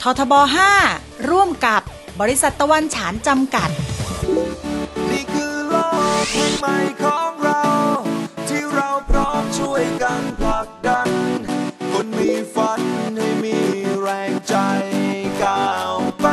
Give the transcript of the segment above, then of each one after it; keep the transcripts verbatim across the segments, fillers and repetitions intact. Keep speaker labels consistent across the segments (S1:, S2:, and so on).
S1: ทบห้าร่วมกับบริษัทตะวันฉานจำกัด
S2: นี่คือโลกแห่งใหม่ของเราที่เราพร้อมช่วยกันผลักดันคนมีฝันให้มีแรงใจก้าวไป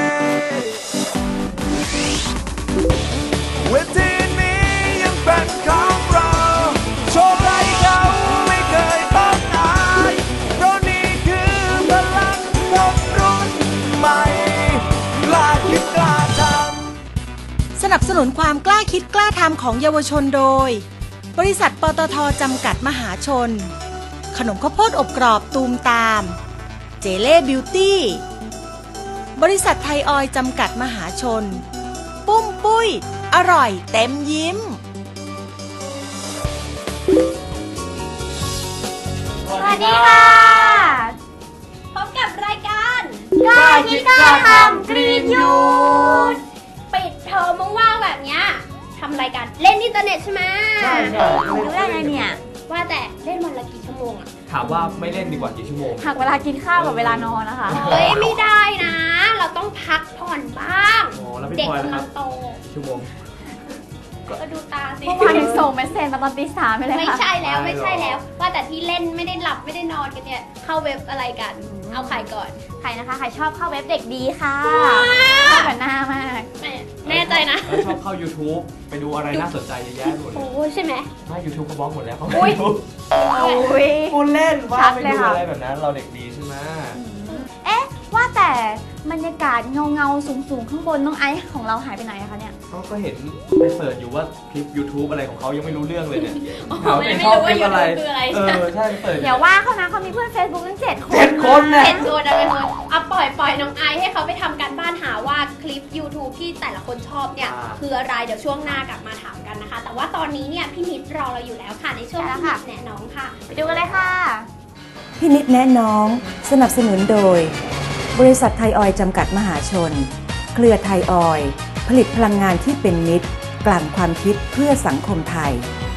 S2: เวทีนี้ยังเป็นของเราโชว์ไรเขาไม่เคยต้องอายเพราะนี่คือพลังคนรุ่นใหม่กล้าคิดกล้าทำ
S1: สนับสนุนความกล้าคิดกล้าทำของเยาวชนโดยบริษัทปตท.จำกัดมหาชนขนมข้าวโพดอบกรอบตูมตามเจเล่บิวตี้บริษัทไทยออยล์จำกัดมหาชนปุ้มปุ้ยอร่อยเต็มยิ้ม
S3: สวัสดีค่ะพบกับรายการกล้าคิดกล้าทำกรีนยูทปิดเทอมว่างๆแบบเนี้ยทำรายการเล่นอินเทอร์เน็ตใช่ไหมใช่ใช่รู้ได้ไงเนี่ยว่าแต่เล่นวันละกี่ชั่วโมงอะ
S4: ถามว่าไม่เล่นดีกว่ากี่ชั่วโมง
S3: หักเวลากินข้าวกับเวลานอนนะคะเฮ้ยไม่ได้นะเราต้องพักผ่อนบ้างเด็กกำลังโต
S4: ชั่วโมง
S3: ก็ดูตาสิเมื่อวานยังส่งเมสเซจมาตอนตีสามไปเลยค่ะไม่ใช่แล้วไม่ใช่แล้วว่าแต่ที่เล่นไม่ได้หลับไม่ได้นอนกันเนี่ยเข้าเว็บอะไรกันเอาใครก่อนใครนะคะใครชอบเข้าเว็บเด็กดีค่ะชอบแบบหน้ามากแน่ใจนะ
S4: ชอบเข้า YouTube ไปดูอะไรน่าสนใจเยอะแยะหมดเลย
S3: โอ้ใช่ไหม
S4: ไม่ YouTube เขาบล็อกหมดแล้วเขาไม่
S3: ดูโอ้ย
S4: คุณเล่นว่าไปดูอะไรแบบนั้นเราเด็กดีใช่ไหม
S3: เอ๊ะว่าแต่บรรยากาศเงาเงาสูงสูงข้างบนน้องไอซ์ของเราหายไปไหนคะเนี่ย
S4: ก็เห็นไปเสิร์ชอยู่ว่าคลิป YouTube อะไรของเขายังไม่รู้เรื่องเลยเนี่ย
S3: เขาไม่รู้ว่า YouTube คืออะไร
S4: เออใช่เสิร์ช
S3: อย่าว่าเขานะเขามีเพื่อน Facebook ตั้งเจ็ดคน
S4: เจ็ดคนนะ
S3: เจ็ดคนนะเป็นคนเอาปล่อยปล่อยน้องไอซ์ให้เขาไปทำการบ้านหาว่าคลิป YouTube ที่แต่ละคนชอบเนี่ยคืออะไรเดี๋ยวช่วงหน้ากลับมาถามกันนะคะแต่ว่าตอนนี้เนี่ยพี่นิดรอเราอยู่แล้วค่ะในช่วงพี่นิดแนะน้องค่ะไปดูกันเลยค่ะ
S1: พี่นิดแนะน้องสนับสนุนโดยบริษัทไทยออยล์จำกัดมหาชนเครือไทยออยล์ผลิตพลังงานที่เป็นมิตรกลั่นความคิดเพื่อสังคมไทย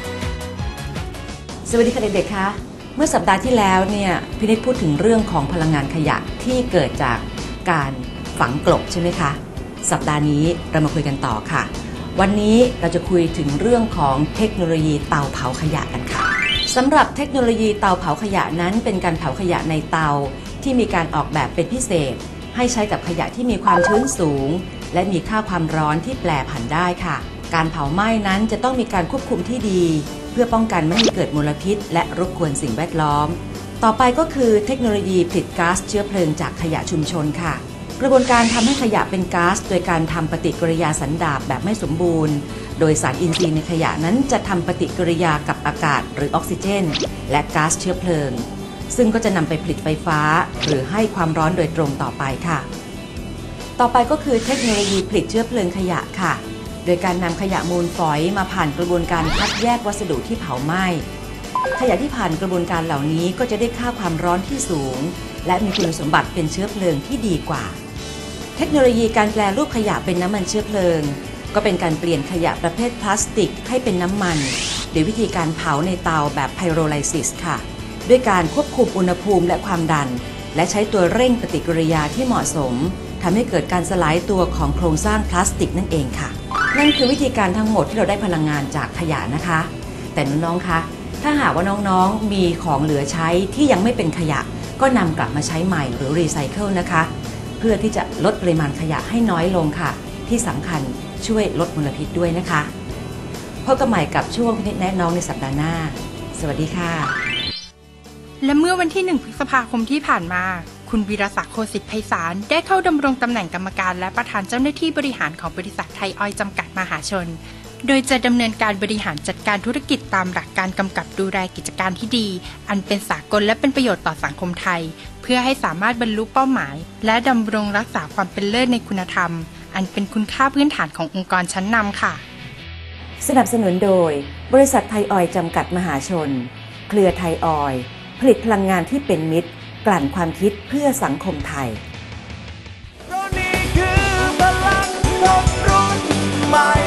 S1: สวัสดีค่ะเด็กๆคะเมื่อสัปดาห์ที่แล้วเนี่ยพี่นิดพูดถึงเรื่องของพลังงานขยะที่เกิดจากการฝังกลบใช่ไหมคะสัปดาห์นี้เรามาคุยกันต่อค่ะวันนี้เราจะคุยถึงเรื่องของเทคโนโลยีเตาเผาขยะกันค่ะสำหรับเทคโนโลยีเตาเผาขยะนั้นเป็นการเผาขยะในเตาที่มีการออกแบบเป็นพิเศษให้ใช้กับขยะที่มีความชื้นสูงและมีค่าความร้อนที่แปรผันได้ค่ะการเผาไหม้นั้นจะต้องมีการควบคุมที่ดีเพื่อป้องกันไม่ให้เกิดมลพิษและรบกวนสิ่งแวดล้อมต่อไปก็คือเทคโนโลยีผลิตก๊าซเชื้อเพลิงจากขยะชุมชนค่ะกระบวนการทำให้ขยะเป็นก๊าซโดยการทำปฏิกิริยาสันดาปแบบไม่สมบูรณ์โดยสารอินทรีย์ในขยะนั้นจะทำปฏิกิริยากับอากาศหรือออกซิเจนและก๊าซเชื้อเพลิงซึ่งก็จะนำไปผลิตไฟฟ้าหรือให้ความร้อนโดยตรงต่อไปค่ะต่อไปก็คือเทคโนโลยีผลิตเชื้อเพลิงขยะค่ะโดยการนำขยะมูลฝอยมาผ่านกระบวนการคัดแยกวัสดุที่เผาไหม้ขยะที่ผ่านกระบวนการเหล่านี้ก็จะได้ค่าความร้อนที่สูงและมีคุณสมบัติเป็นเชื้อเพลิงที่ดีกว่าเทคโนโลยีการแปรรูปขยะเป็นน้ำมันเชื้อเพลิงก็เป็นการเปลี่ยนขยะประเภทพลาสติกให้เป็นน้ำมันโดยวิธีการเผาในเตาแบบไพโรไลซิสค่ะด้วยการควบคุมอุณหภูมิและความดันและใช้ตัวเร่งปฏิกิริยาที่เหมาะสมทำให้เกิดการสลายตัวของโครงสร้างพลาสติกนั่นเองค่ะนั่นคือวิธีการทั้งหมดที่เราได้พลังงานจากขยะนะคะแต่น้องๆคะถ้าหากว่าน้องๆมีของเหลือใช้ที่ยังไม่เป็นขยะก็นำกลับมาใช้ใหม่หรือรีไซเคิลนะคะเพื่อที่จะลดปริมาณขยะให้น้อยลงค่ะที่สำคัญช่วยลดมลพิษด้วยนะคะพบกันใหม่กับช่วงพินิจแนะน้องในสัปดาห์หน้าสวัสดีค่ะ
S5: และเมื่อวันที่หนึ่งพฤษภาคมที่ผ่านมาคุณวีรศักดิ์โคสิทธิ์ไพศาลได้เข้าดำรงตำแหน่งกรรมการและประธานเจ้าหน้าที่บริหารของบริษัทไทยออยล์จำกัดมหาชนโดยจะดำเนินการบริหารจัดการธุรกิจตามหลักการกำกับดูแลกิจการที่ดีอันเป็นสากลและเป็นประโยชน์ต่อสังคมไทยเพื่อให้สามารถบรรลุเป้าหมายและดำรงรักษาความเป็นเลิศในคุณธรรมอันเป็นคุณค่าพื้นฐานขององค์กรชั้นนำค่ะ
S1: สนับสนุนโดยบริษัทไทยออยล์จำกัดมหาชนเครือไทยออยล์ผลิตพลังงานที่เป็นมิตรกลั่นความคิดเพื่อสังคมไทย
S2: เพราะนี่คือพลังคนรุ่นใหม่